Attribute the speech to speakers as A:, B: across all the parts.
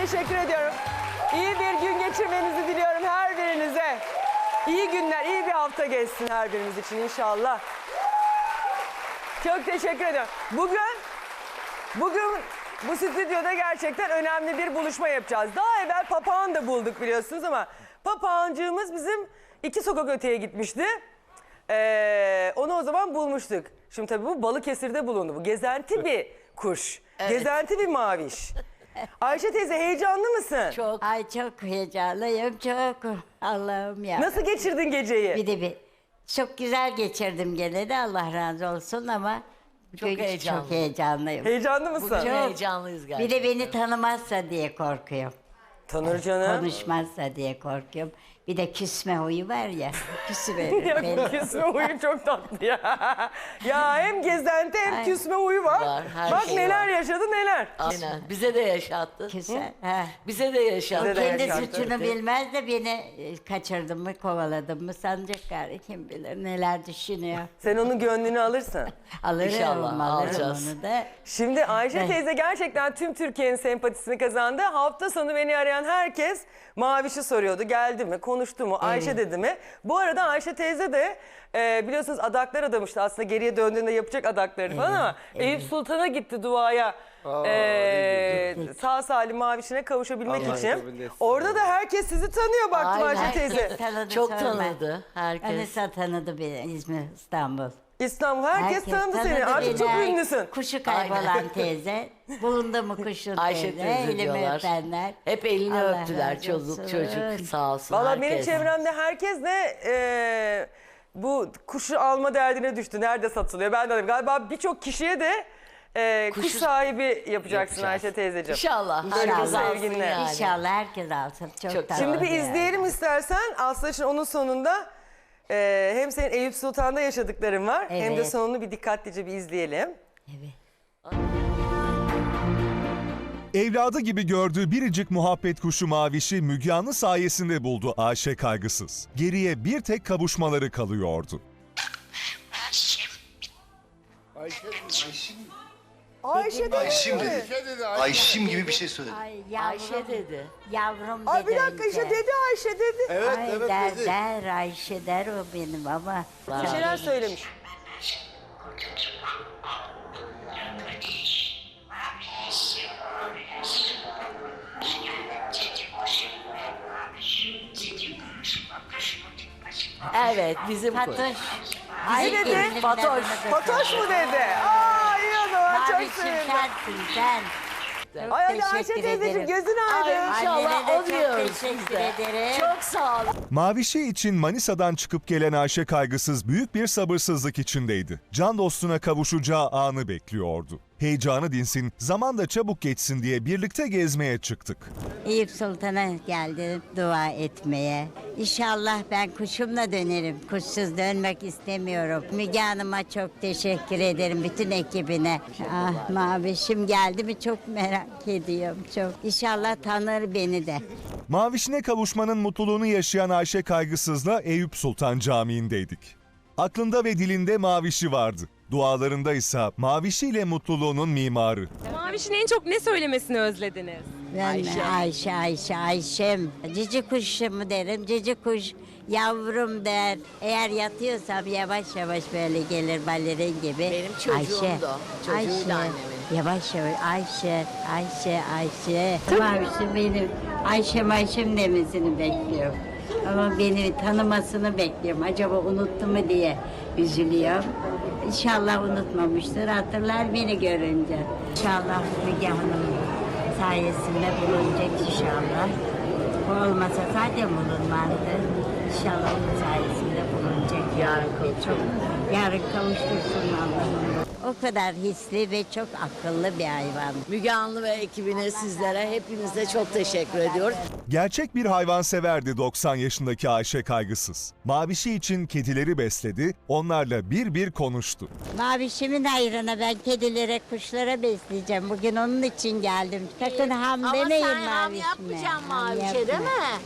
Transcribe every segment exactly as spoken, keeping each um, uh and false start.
A: teşekkür ediyorum. İyi bir gün geçirmenizi diliyorum her birinize. İyi günler, iyi bir hafta geçsin her birimiz için inşallah. Çok teşekkür ediyorum. Bugün, bugün bu stüdyoda gerçekten önemli bir buluşma yapacağız. Daha evvel papağan da bulduk biliyorsunuz ama papağancığımız bizim iki sokak öteye gitmişti. Ee, onu o zaman bulmuştuk. Şimdi tabii bu Balıkesir'de bulundu. Bu gezenti bir kuş. Evet. Gezenti bir maviş. Ayşe teyze heyecanlı mısın?
B: Çok. Ay çok heyecanlıyım çok. Allah'ım ya.
A: Nasıl geçirdin geceyi?
B: Bir de bir çok güzel geçirdim gene de Allah razı olsun ama
C: Çok heyecanlı.
B: çok heyecanlıyım.
A: Heyecanlı mısın?
C: Bugün
B: Çok.
C: heyecanlıyız galiba.
B: Bir de beni tanımazsa diye korkuyorum.
A: Tanır canım.
B: Konuşmazsa diye korkuyorum. Bir de küsme huyu var ya. Küsüverir
A: Ya
B: beni.
A: küsme huyu çok tatlı ya. Ya hem gezenti hem
B: Ay.
A: küsme huyu var.
C: Var, her
A: Bak
C: şey
A: neler
C: var.
A: yaşadı neler.
C: Aynen. Bize de yaşattı.
B: Küser. Ha.
C: Bize de yaşattı.
A: Bize de
B: Kendi
A: yaşattı.
B: suçunu bilmez de beni e, kaçırdım mı kovaladım mı sanacak gari kim bilir neler düşünüyor.
A: Sen onun gönlünü alırsın.
B: Alırım
C: İnşallah,
B: alırım
C: alacağız.
B: onu da.
A: Şimdi Ayşe
B: Evet.
A: teyze gerçekten tüm Türkiye'nin sempatisini kazandı. Hafta sonu beni arayan herkes Maviş'i soruyordu. Geldi mi, konuştu mu, Ayşe dedi mi? Bu arada Ayşe teyze de e, biliyorsunuz adaklar adamıştı. Aslında geriye döndüğünde yapacak adaklarını falan ama Eyüp Sultan'a gitti duaya. e, sağ salim Maviş'ine kavuşabilmek
D: Allah
A: için.
D: kabul etsin.
A: Orada da herkes sizi tanıyor baktım
C: Aynen.
A: Ayşe teyze.
B: Herkes tanıdı,
C: Çok
B: sorma.
C: tanıdı herkes.
B: Anisa tanıdı beni İzmir, İstanbul.
A: İstanbul herkes, tanıdı seni. Artık çok
B: beni.
A: ünlüsün.
B: Kuşu kaybolan
C: Aynen.
B: teyze. Bulundu mu kuşun
C: Ayşe
B: teyze.
C: teyze
B: Elimi
C: diyorlar.
B: öpenler.
C: Hep elini
B: Allah
C: öptüler
B: razı
C: çocuk
B: olsun.
C: çocuk sağ olsun
A: Valla
C: herkes.
A: benim çevremde herkes de e, bu kuşu alma derdine düştü. Nerede satılıyor? Ben de dedim. Galiba birçok kişiye de e, kuş
C: Kuşu-
A: sahibi yapacaksın
C: Yapacağız.
A: Ayşe teyzeciğim.
C: İnşallah.
A: Böyle
C: Herkes
A: bir
C: alsın
A: sevginle.
C: yani.
B: İnşallah herkes alsın. Çok,
C: Çok
B: tatlı
A: Şimdi bir
B: yani.
A: izleyelim istersen. Aslında şimdi onun sonunda e, hem senin Eyüp Sultan'da yaşadıkların var. Hem de
B: Evet.
A: sonunu bir dikkatlice bir izleyelim.
B: Evet.
E: Evladı gibi gördüğü biricik muhabbet kuşu Maviş'i Müge Anlı sayesinde buldu Ayşe kaygısız. Geriye bir tek kavuşmaları kalıyordu.
A: Ayşe
D: Ayşim dedi. Ayşim gibi bir şey söyledi.
B: Ay yavrum.
C: Ayşe dedi.
B: Yavrum
A: Ay bir
B: dedi
A: dakika işte
B: önce.
A: dedi Ayşe dedi.
D: Evet
B: Ay
D: evet
B: der
D: dedi.
B: der Ayşe der o benim ama.
A: Bir şeyler söylemiş.
C: Evet bizim kuş.
B: Fatoş.
A: Ne dedi?
B: elimin
C: Fatoş.
B: adını da
A: Fatoş
B: söyle.
A: mu dedi? Aa iyi o zaman çok
B: Mavişim
A: sevindim.
B: sensin sen. Çok
A: Ay hadi Ayşe
B: teşekkür
A: teyzeciğim
B: ederim.
A: gözün
C: Ay
A: aydın.
C: inşallah
B: Annene de
C: o
B: çok
C: diyoruz
B: teşekkür
C: biz de.
B: ederim.
C: Çok sağ olun.
E: Maviş'i için Manisa'dan çıkıp gelen Ayşe kaygısız büyük bir sabırsızlık içindeydi. Can dostuna kavuşacağı anı bekliyordu. Heyecanı dinsin, zaman da çabuk geçsin diye birlikte gezmeye çıktık.
B: Eyüp Sultan'a geldim dua etmeye. İnşallah ben kuşumla dönerim. Kuşsuz dönmek istemiyorum. Müge Hanım'a çok teşekkür ederim. Bütün ekibine. Ah Mavişim geldi mi çok merak ediyorum. Çok. İnşallah tanır beni de.
E: Maviş'ine kavuşmanın mutluluğunu yaşayan Ayşe kaygısızla Eyüp Sultan Camii'ndeydik. Aklında ve dilinde Maviş'i vardı. Dualarında ise Maviş'iyle mutluluğunun mimarı.
F: Maviş'in en çok ne söylemesini özlediniz?
B: Ben Ayşe. Ayşe, Ayşe, Ayşem. Cici kuş mu derim, cici kuş yavrum der. Eğer yatıyorsam yavaş yavaş böyle gelir balerin gibi.
C: Benim çocuğum da, çocuğu da annemin.
B: Yavaş yavaş Ayşe, Ayşe, Ayşe. Mavişim benim Ayşem Ayşem demesini bekliyorum. Ama beni tanımasını bekliyorum. Acaba unuttu mu diye üzülüyorum. İnşallah unutmamıştır. Hatırlar beni görünce. İnşallah Müge Hanım sayesinde bulunacak inşallah. O olmasa zaten bulunmazdı. İnşallah onun sayesinde bulunacak.
C: Yarın
B: Ve çok yarın kavuştursun Allah'ım. O kadar hisli ve çok akıllı bir hayvan.
C: Müge Anlı ve ekibine sizlere hepinize çok teşekkür ediyoruz.
E: Gerçek bir hayvanseverdi doksan yaşındaki Ayşe kaygısız. Maviş'i için kedileri besledi, onlarla bir bir konuştu.
B: Mavişimin hayrına ben kedilere, kuşlara besleyeceğim. Bugün onun için geldim. Sakın ham
C: Ama
B: demeyin
C: sen ham
B: Mavişime.
C: yapmayacaksın
B: Ham
C: Mavişe değil
B: yapma.
C: mi?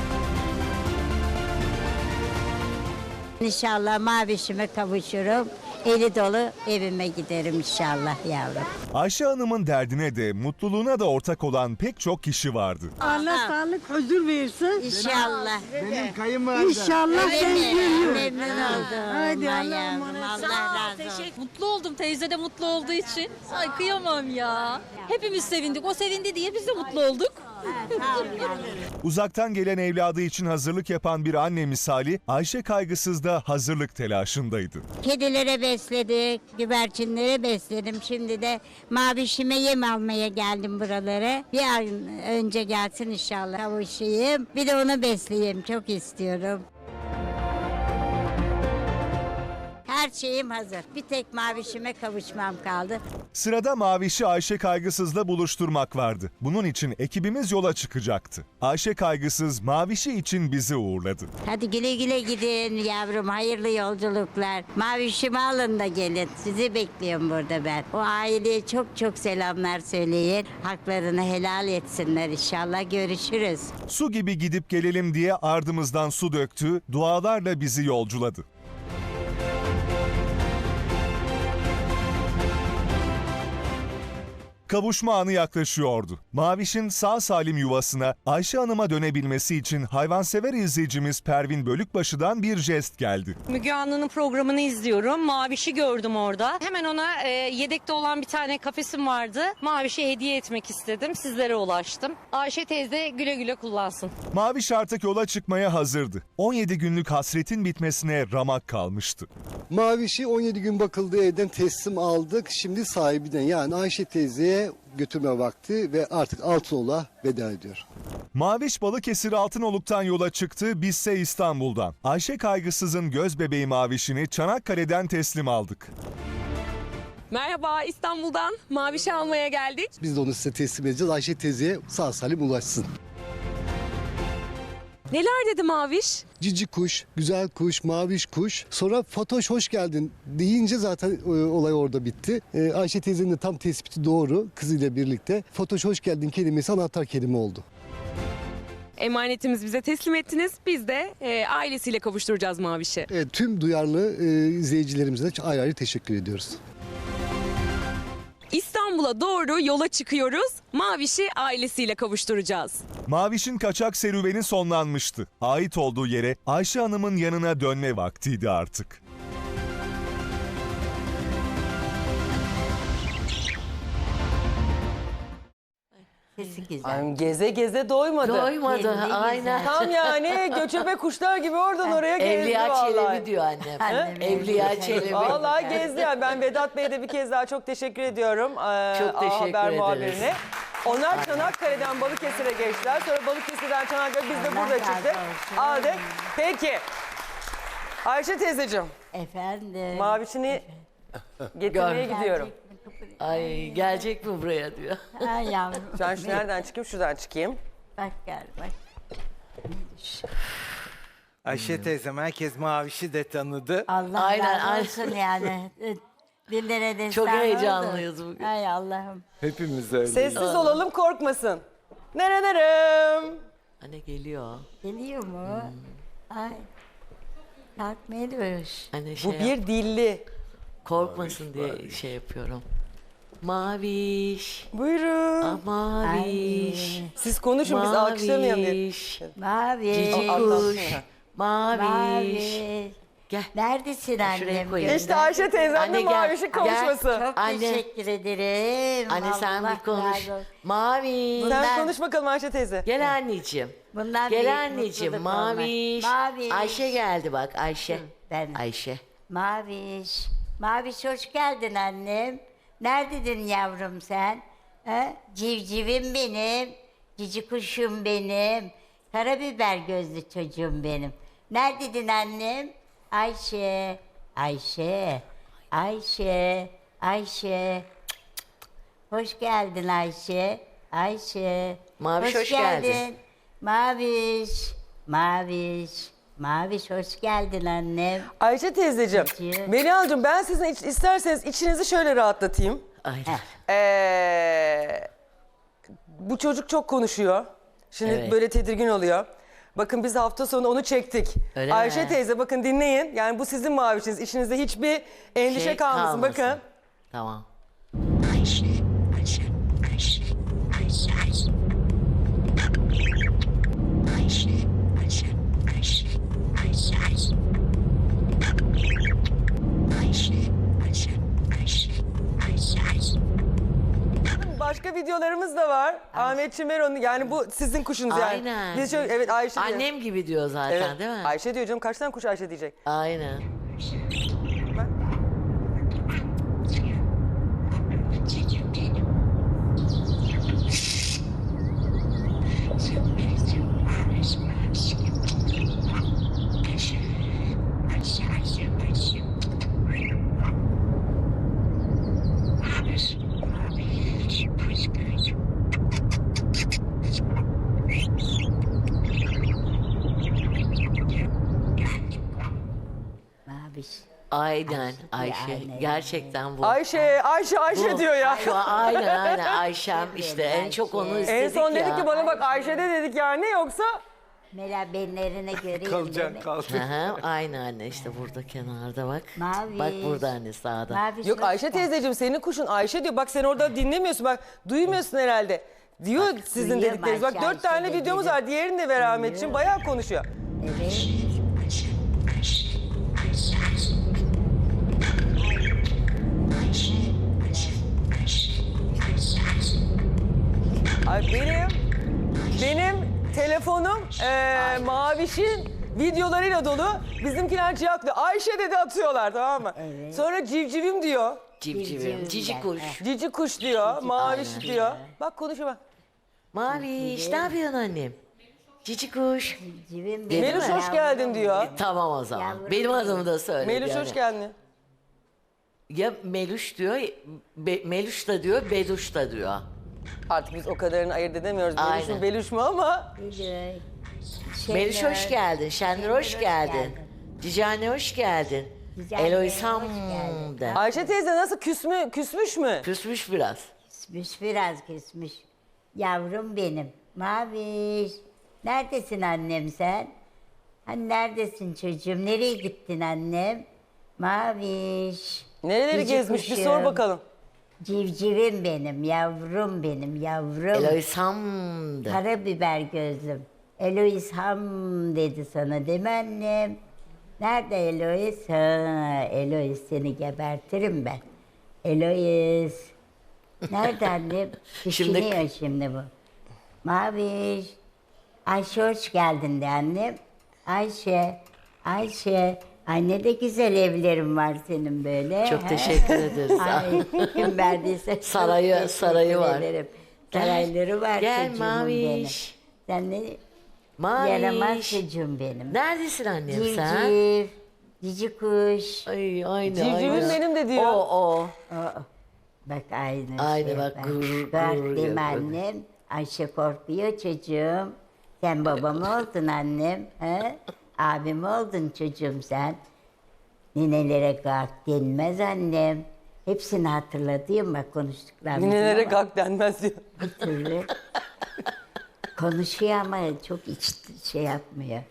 B: İnşallah Mavişime kavuşurum. eli dolu evime giderim inşallah yavrum.
E: Ayşe Hanım'ın derdine de mutluluğuna da ortak olan pek çok kişi vardı.
G: Allah sağlık huzur versin.
B: İnşallah.
G: İnşallah sen
B: Öyle mi?
G: geliyor.
B: Memnun oldum.
G: Hadi
B: Aman
G: Allah'a
B: yavrum,
G: emanet.
B: Allah razı olsun.
H: Mutlu oldum, teyze de mutlu olduğu için. Ay kıyamam ya. Hepimiz sevindik. O sevindi diye biz de mutlu olduk.
B: Sağ ol yavrum.
E: Uzaktan gelen evladı için hazırlık yapan bir anne misali Ayşe kaygısız da hazırlık telaşındaydı.
B: Kedilere besledik, güvercinlere besledim. Şimdi de mavişime yem almaya geldim buralara. Bir ay önce gelsin inşallah kavuşayım. Bir de onu besleyeyim, çok istiyorum. Her şeyim hazır. Bir tek mavişime kavuşmam kaldı.
E: Sırada Maviş'i Ayşe Kaygısız'la buluşturmak vardı. Bunun için ekibimiz yola çıkacaktı. Ayşe Kaygısız Maviş'i için bizi uğurladı.
B: Hadi güle güle gidin yavrum, hayırlı yolculuklar. Mavişimi alın da gelin. Sizi bekliyorum burada ben. O aileye çok çok selamlar söyleyin. Haklarını helal etsinler inşallah. Görüşürüz.
E: Su gibi gidip gelelim diye ardımızdan su döktü, dualarla bizi yolculadı. Kavuşma anı yaklaşıyordu. Maviş'in sağ salim yuvasına Ayşe Hanım'a dönebilmesi için hayvansever izleyicimiz Pervin Bölükbaşı'dan bir jest geldi.
I: Müge Anlı'nın programını izliyorum. Maviş'i gördüm orada. Hemen ona e, yedekte olan bir tane kafesim vardı. Maviş'e hediye etmek istedim. Sizlere ulaştım. Ayşe teyze güle güle kullansın.
E: Maviş artık yola çıkmaya hazırdı. on yedi günlük hasretin bitmesine ramak kalmıştı.
J: Maviş'i on yedi gün bakıldığı evden teslim aldık. Şimdi sahibine yani Ayşe teyzeye götürme vakti ve artık Altınoğlu'na veda ediyor.
E: Maviş Balıkesir Altınoluk'tan yola çıktı, bizse İstanbul'dan. Ayşe Kaygısız'ın göz bebeği Maviş'ini Çanakkale'den teslim aldık.
F: Merhaba, İstanbul'dan Maviş'i almaya geldik.
J: Biz de onu size teslim edeceğiz. Ayşe teyzeye sağ salim ulaşsın.
F: Neler dedi Maviş?
J: Cici kuş, güzel kuş, maviş kuş. Sonra Fatoş hoş geldin deyince zaten e, olay orada bitti. E, Ayşe teyzenin de tam tespiti doğru kızıyla birlikte. Fatoş hoş geldin kelimesi anahtar kelime oldu.
F: Emanetimizi bize teslim ettiniz. Biz de e, ailesiyle kavuşturacağız Maviş'i.
J: E, tüm duyarlı e, izleyicilerimize de ayrı ayrı teşekkür ediyoruz.
F: İstanbul'a doğru yola çıkıyoruz. Maviş'i ailesiyle kavuşturacağız.
E: Maviş'in kaçak serüveni sonlanmıştı. Ait olduğu yere Ayşe Hanım'ın yanına dönme vaktiydi artık.
B: Sesi güzel.
A: Ay, geze geze doymadı.
C: Doymadı
B: Kendi
C: aynen.
A: Tam yani göçebe kuşlar gibi oradan oraya gezdi
C: Evliya
A: vallahi.
C: Çelebi diyor annem.
B: Annem
C: Evliya
B: Evliya
C: Çelebi.
A: Vallahi gezdi yani. Ben Vedat Bey'e de bir kez daha çok teşekkür ediyorum. Ee,
C: Çok
A: A
C: teşekkür
A: Haber
C: ederiz.
A: muhabirine. Onlar Çanakkale'den Balıkesir'e geçtiler. Sonra Balıkesir'den Çanakkale biz de
B: Allah
A: burada
B: razı
A: çıktık.
B: olsun.
A: Aldık. Peki. Ayşe teyzeciğim,
B: Efendim.
A: Mavişini getirmeye
C: Gör.
A: gidiyorum.
C: Ay gelecek mi buraya diyor.
B: Ay yavrum.
A: Ben şu nereden çıkayım? Şuradan çıkayım.
B: Bak gel bak.
K: Ayşe teyzem herkes Maviş'i de tanıdı.
B: Allah
C: Aynen,
B: razı
C: aynen.
B: olsun yani. Dillere destan
C: Çok
B: oldu.
C: heyecanlıyız bugün.
B: Ay Allah'ım.
K: Hepimiz öyleyiz.
A: Sessiz olalım, korkmasın. Nerenerim?
C: Anne geliyor.
B: Geliyor mu? Ay. Kalkmıyoruz.
C: Anne şey
A: Bu
C: yap-
A: bir dilli.
C: korkmasın diye şey yapıyorum. Maviş.
A: Buyurun.
C: Ah, maviş.
A: Siz konuşun, biz alkışlamayalım diye.
C: Maviş.
B: Mavi.
C: Cici
A: Allah
C: kuş.
A: aşkına.
C: Maviş.
B: Mavi.
C: Gel.
B: Neredesin
C: Şuraya
B: annem?
C: koyayım.
A: İşte Ayşe teyzem de
C: Anne gel,
A: Maviş'in
C: gel.
A: kavuşması.
B: Çok
C: Anne.
B: teşekkür ederim.
C: Anne sen
B: Allah
C: bir konuş.
B: razı olsun.
C: Maviş.
A: Sen
B: Ben-
A: konuş bakalım Ayşe teyze.
C: Gel anneciğim.
B: Bundan büyük
C: Gel anneciğim.
B: mutluluk olmaz.
C: Maviş.
B: Maviş.
C: Ayşe geldi bak Ayşe.
B: Ben.
C: Ayşe.
B: Maviş. Maviş hoş geldin annem. Neredeydin yavrum sen? Ha? Civcivim benim. Cici kuşum benim. Karabiber gözlü çocuğum benim. Neredeydin annem? Ayşe. Ayşe. Ayşe. Ayşe. Hoş geldin Ayşe. Ayşe.
C: Maviş, hoş geldin.
B: Maviş. Maviş. Maviş hoş geldin annem.
A: Ayşe teyzeciğim,
B: Peki.
A: Melihan'cığım ben sizin iç- isterseniz içinizi şöyle rahatlatayım.
C: Aynen.
A: Ee, bu çocuk çok konuşuyor. Şimdi
C: Evet.
A: böyle tedirgin oluyor. Bakın biz hafta sonu onu çektik.
C: Öyle
A: Ayşe
C: mi?
A: teyze bakın dinleyin. Yani bu sizin mavişiniz. İçinizde hiçbir endişe
C: Şey
A: kalmasın.
C: kalmasın.
A: Bakın.
C: Tamam.
A: Başka videolarımız da var. Ahmet Çimero'nun yani bu sizin kuşunuz yani.
C: Aynen.
A: Biz çok, evet Ayşe diyor.
C: Annem gibi diyor zaten
A: Evet,
C: değil mi?
A: Ayşe diyor canım kaç tane kuş Ayşe diyecek.
C: Aynen.
B: Maviş.
C: Aynen Ayşe.
B: aynen,
C: Gerçekten bu.
A: Ayşe, Ayşe, Ayşe
C: Bu-
A: diyor ya.
C: Şu an aynen aynen Ayşem işte en çok onu
B: Ayşe.
C: istedik
A: En son
C: ya.
A: dedik ki bana bak Ayşe de dedik yani yoksa
B: Mela benlerine göreyim
K: Kalacaksın
B: beni.
K: kaldın.
C: Hı hı, aynı anne işte burada kenarda bak.
B: Maviş.
C: Bak burada anne sağda.
B: Maviş
A: yok
B: hoş
A: Ayşe
B: geldin.
A: teyzeciğim senin kuşun Ayşe diyor. Bak sen orada dinlemiyorsun bak duymuyorsun herhalde. Diyor sizin
B: duyuyorum
A: dedikleriniz. Bak
B: Ayşe,
A: dört tane
B: Ayşe
A: videomuz
B: dedi.
A: var. Diğerini de ver Ahmetciğim. Bayağı konuşuyor.
B: Evet.
A: Ay benim benim telefonum eee Maviş'in videolarıyla dolu. Bizimkiler cihaklıyor. Ayşe dedi atıyorlar tamam mı?
B: Evet.
A: Sonra civcivim diyor.
C: Civcivim, cici kuş.
A: Cici kuş diyor. Maviş
C: Aynen.
A: diyor. Bak konuşuyor bak.
C: Maviş ne yapıyorsun annem? Cici kuş.
B: Civim
C: Değil
A: Meluş
C: mi?
A: hoş geldin diyor.
C: Tamam o zaman.
B: Yavrum
C: Benim
B: benim.
C: adımı da söyle.
A: Meluş
C: yani.
A: hoş geldin.
C: Ya Meluş diyor, Be- Meluş da diyor, Beluş da diyor.
A: Artık biz o kadarını ayırt edemiyoruz. Meluş mu
C: Aynen.
A: Beluş mu ama.
B: Şey,
C: Meluş hoş geldin, Şenur hoş geldin. Cici anne hoş geldin.
B: Cici anne,
C: Elois ham
B: hoş geldin.
C: de.
A: Ayşe teyze nasıl küs mü, küsmüş mü?
C: Küsmüş biraz.
B: Küsmüş biraz küsmüş. Yavrum benim. Maviş. Neredesin annem sen? Hani neredesin çocuğum? Nereye gittin annem? Maviş.
A: Nereleri
B: Cici
A: gezmiş bir
B: kuşum.
A: sor bakalım.
B: Civcivim benim, yavrum benim, yavrum.
C: Elois ham de.
B: Karabiber gözlüm. Elois ham dedi sana değil mi annem? Nerede Elois? Ha, Elois seni gebertirim ben. Elois. Nerede annem? Düşünüyor şimdi... şimdi bu. Maviş. Ayşe hoş geldin de annem. Ayşe. Ayşe. Ay ne de güzel evlerim var senin böyle.
C: Çok
B: he?
C: teşekkür ederiz.
B: Ay kim verdiyse çok
C: Sarayı-
B: teşekkür
C: sarayı var.
B: ederim.
C: Gel,
B: Sarayları var
C: gel
B: çocuğum benim.
C: Maviş.
B: Sen ne
C: Maviş.
B: yaramaz çocuğum benim.
C: Neredesin annem sen?
B: Civciv, cici kuş.
C: Ay aynı
A: Civcivim
C: aynı.
A: benim de diyor.
C: O o.
B: Aa, bak aynı
C: Aynı
B: şey.
C: bak, gurur,
B: Bak
C: gurur
B: değil mi
C: yapıyor.
B: annem? Ayşe korkuyor çocuğum. Sen babam oldun annem. He? Abim oldun çocuğum sen. Ninelere kalk denmez annem. Hepsini hatırladım bak konuştuklarımızı.
A: Ninelere
B: ama
A: kalk denmez diyor.
B: Bir türlü konuşuyor ama çok iç şey yapmıyor.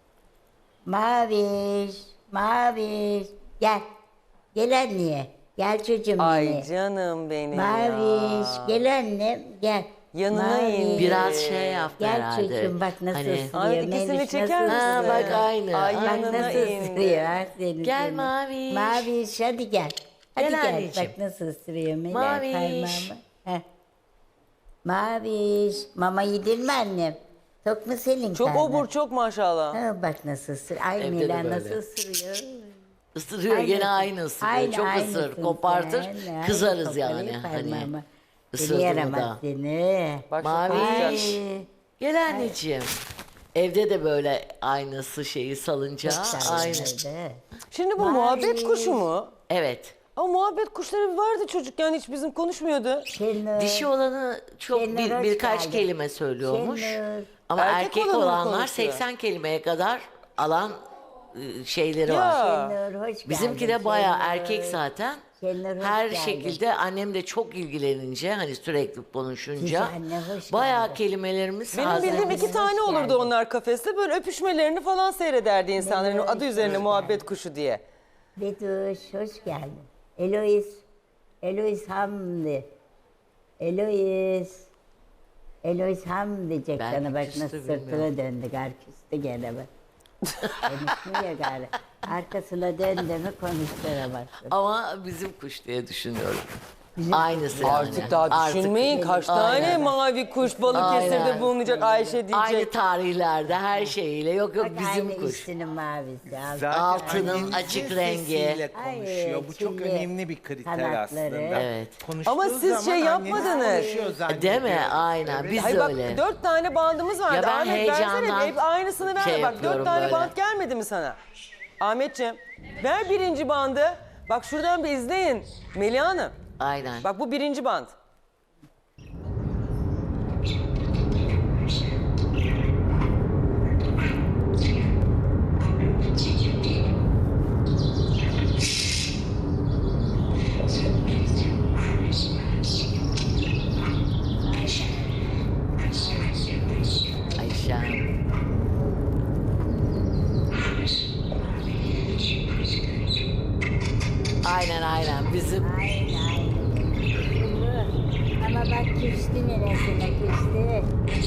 B: Maviş, Maviş. Gel. Gel anneye. Gel çocuğum
A: Ay
B: yine.
A: canım benim
B: Maviş.
A: ya.
B: Gel annem. Gel.
A: Yanına
B: Maviş.
A: in.
C: Biraz şey yaptı
B: Gel
C: herhalde.
B: çocuğum bak nasıl
C: Hani-
B: ısırıyor.
A: Ay, ikisini
B: Memiş
A: çeker
B: nasıl
A: misin?
C: Ha
B: ısırıyor.
C: bak aynı.
A: Ay,
B: Bak
A: yanına
B: nasıl
A: indi.
B: ısırıyor. ha seni
C: Gel
B: seni.
C: Maviş.
B: Maviş hadi gel. Hadi
C: Gel
B: gel.
C: anneciğim.
B: Bak nasıl ısırıyor Melek
C: Maviş.
B: parmağımı. Heh. Maviş. Mama yedin mi annem? Tok mu senin
A: Çok
B: karnın?
A: obur çok maşallah.
B: Ha, bak nasıl ısırıyor. Ay
C: Evde de
B: Mela
C: böyle.
B: nasıl ısırıyor.
C: Isırıyor
B: Aynı-
C: gene aynı ısırıyor.
B: aynı-
C: Çok
B: aynısın
C: ısır, kopartır,
B: sen. Aynı
C: kızarız yani.
B: koparıyor
C: Hani
B: parmağımı. Seni
C: ısırdı mı
B: yaramaz
C: da.
B: seni.
A: Bak
C: Maviş.
B: Ay.
C: Gel anneciğim. Evde de böyle aynısı şeyi salınca aynı.
B: Öyle.
A: Şimdi bu
B: Maviş.
A: muhabbet kuşu mu?
C: Evet.
A: Ama muhabbet kuşları vardı çocukken hiç bizim konuşmuyordu.
B: Şenur.
C: Dişi olanı çok
B: Şenur,
C: bir,
B: hoş
C: birkaç
B: geldin.
C: kelime söylüyormuş.
B: Şenur.
C: Ama
A: Erkek
C: erkek,
A: olanı mı
C: olanlar
A: konuşuyor?
C: seksen kelimeye kadar alan e, şeyleri
A: Ya.
C: var.
B: Şenur, hoş
C: Bizimki
B: geldin.
C: de bayağı
B: Şenur.
C: erkek zaten.
B: Şenur, hoş
C: Her
B: geldin.
C: şekilde annem de çok ilgilenince hani sürekli konuşunca
B: Güzel anne, hoş
C: bayağı
B: geldin.
C: kelimelerimiz
A: Benim
C: hazır.
A: bildiğim iki
B: Hoş
A: tane olurdu
B: geldin.
A: onlar kafeste. Böyle öpüşmelerini falan seyrederdi insanların
B: Hoş
A: adı üzerine
B: geldin.
A: muhabbet kuşu diye.
B: Betuş, hoş geldin. Elois, Elois Hamdi. Elois. Elois Ham diyecek
C: Belki
B: sana bak
C: küstü,
B: nasıl
C: bilmiyorum.
B: sırtına döndü gar küstü gene bak. Konuşmuyor gari. Arkasına döndü mü konuşturamazsın.
C: Ama bizim kuş diye düşünüyorum. Aynısı yani.
A: Artık daha düşünmeyin kaç tane
C: Aynen.
A: mavi kuş Balıkesir'de
C: Aynen.
A: bulunacak Ayşe diyecek.
C: Aynı tarihlerde her şeyiyle. Yok yok
B: Bak
C: bizim
B: aynı
C: kuş.
B: üstünün mavisi. al.
K: Zaten
C: Altının
K: annemizin
C: açık rengi.
K: sesiyle konuşuyor. Bu çok
B: çilli
K: önemli bir kriter
B: kanatları.
K: aslında.
C: Evet.
K: Konuştuğu
A: Ama siz
K: zaman
A: şey
K: annemiz
A: yapmadınız.
K: konuşuyor
C: Değil mi?
K: zannediyoruz.
C: Aynen. Biz
A: Hayır
C: de
A: bak
C: öyle.
A: dört tane bandımız vardı.
C: Ya ben
A: Ahmet versene
C: heyecandan
A: hep aynısını ver.
C: şey
A: bak
C: yapıyorum
A: dört tane
C: böyle.
A: band gelmedi mi sana? Ahmetciğim ver birinci bandı. Bak şuradan bir izleyin. Melih Hanım.
C: Aynen.
A: Bak bu birinci band.
C: Ayşe. Aynen aynen bizim
B: Aynen aynen. Ama bak küstü neresine küstü.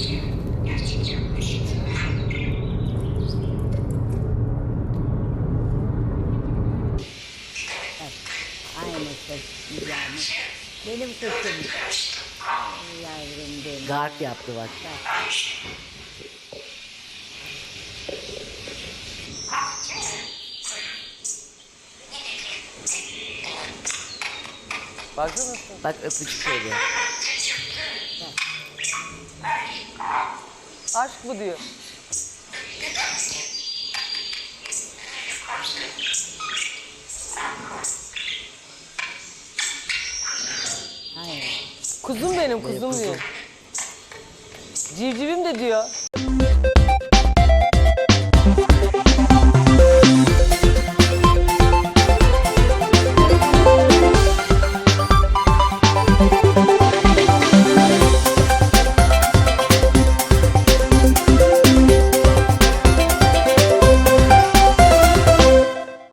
B: Bak, aynısı yani. Benim kuşum. Ay yavrum benim.
C: garp yaptı bak.
A: Baksana.
C: Bak öpücük veriyor.
A: Aşk bu diyor.
B: Hayır.
A: Kuzum benim kuzum diyor. Civcivim de diyor.